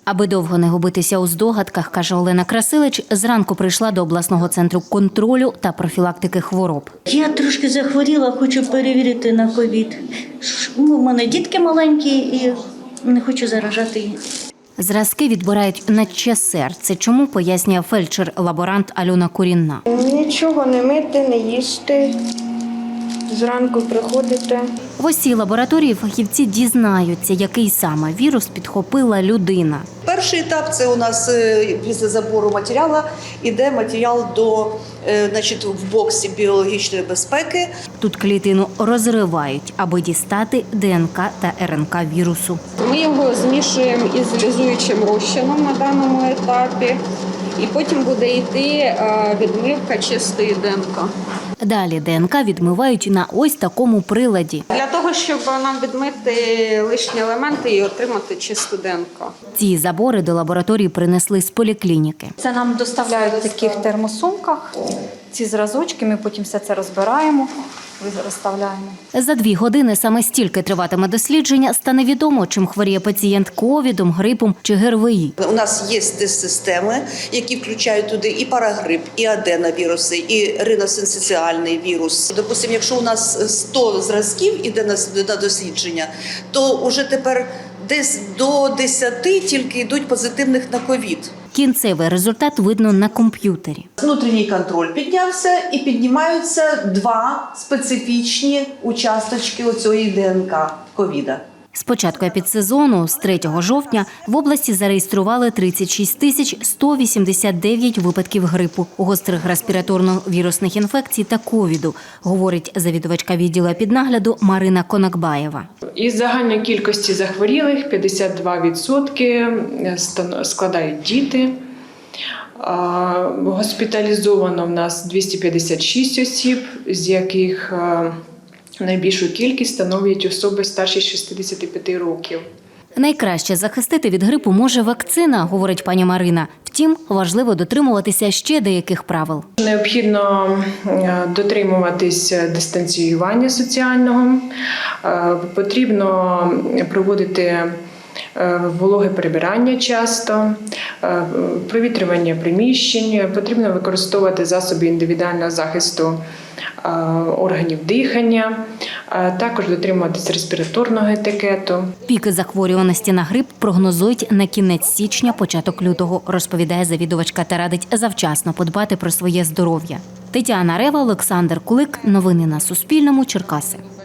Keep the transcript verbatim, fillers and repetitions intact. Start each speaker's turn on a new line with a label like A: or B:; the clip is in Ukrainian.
A: Аби довго не губитися у здогадках, каже Олена Красилич, зранку прийшла до обласного центру контролю та профілактики хвороб.
B: Я трошки захворіла, хочу перевірити на ковід. У мене дітки маленькі і не хочу заражати їх.
A: Зразки відбирають на ЧСР. Це чому, пояснює фельдшер-лаборант Альона Курінна.
C: Нічого не мити, не їсти. Зранку приходите.
A: В ось цій лабораторії фахівці дізнаються, який саме вірус підхопила людина.
D: Перший етап – це у нас після забору матеріалу йде матеріал до, значить, в боксі біологічної безпеки.
A: Тут клітину розривають, аби дістати ДНК та РНК вірусу.
E: Ми його змішуємо із лізуючим розчином на даному етапі. І потім буде йти відмивка чистої ДНК.
A: Далі ДНК відмивають на ось такому приладі.
E: Для того, щоб нам відмити лишні елементи і отримати чисту ДНК.
A: Ці забори до лабораторії принесли з поліклініки.
F: Це нам доставляють в таких термосумках. Ці зразочки, ми потім все це розбираємо, розставляємо.
A: За дві години саме стільки триватиме дослідження, стане відомо, чим хворіє пацієнт ковідом, грипом чи ГРВІ.
D: У нас є тест-системи, які включають туди і парагрип, і аденовіруси, і риносинцитіальний вірус. Допустимо, якщо у нас сто зразків іде на дослідження, то вже тепер десь до десяти тільки йдуть позитивних на ковід.
A: Кінцевий результат видно на комп'ютері.
D: Внутрішній контроль піднявся і піднімаються два специфічні участочки оцієї ДНК ковіда.
A: З початку епідсезону, з третього жовтня, в області зареєстрували тридцять шість тисяч сто вісімдесят дев'ять випадків грипу, гострих респіраторно-вірусних інфекцій та ковіду, говорить завідувачка відділу епіднагляду Марина Конакбаєва.
G: Із загальної кількості захворілих п'ятдесят два відсотки складають діти. Госпіталізовано в нас двісті п'ятдесят шість осіб, з яких найбільшу кількість становлять особи старші шістдесят п'ять років.
A: Найкраще захистити від грипу може вакцина, говорить пані Марина. Втім, важливо дотримуватися ще деяких правил.
G: Необхідно дотримуватись дистанціювання соціального, потрібно проводити вологе прибирання часто, провітрювання приміщень, потрібно використовувати засоби індивідуального захисту органів дихання, також дотримуватися респіраторного етикету.
A: Піки захворюваності на грип прогнозують на кінець січня, початок лютого, розповідає завідувачка та радить завчасно подбати про своє здоров'я. Тетяна Рева, Олександр Кулик. Новини на Суспільному. Черкаси.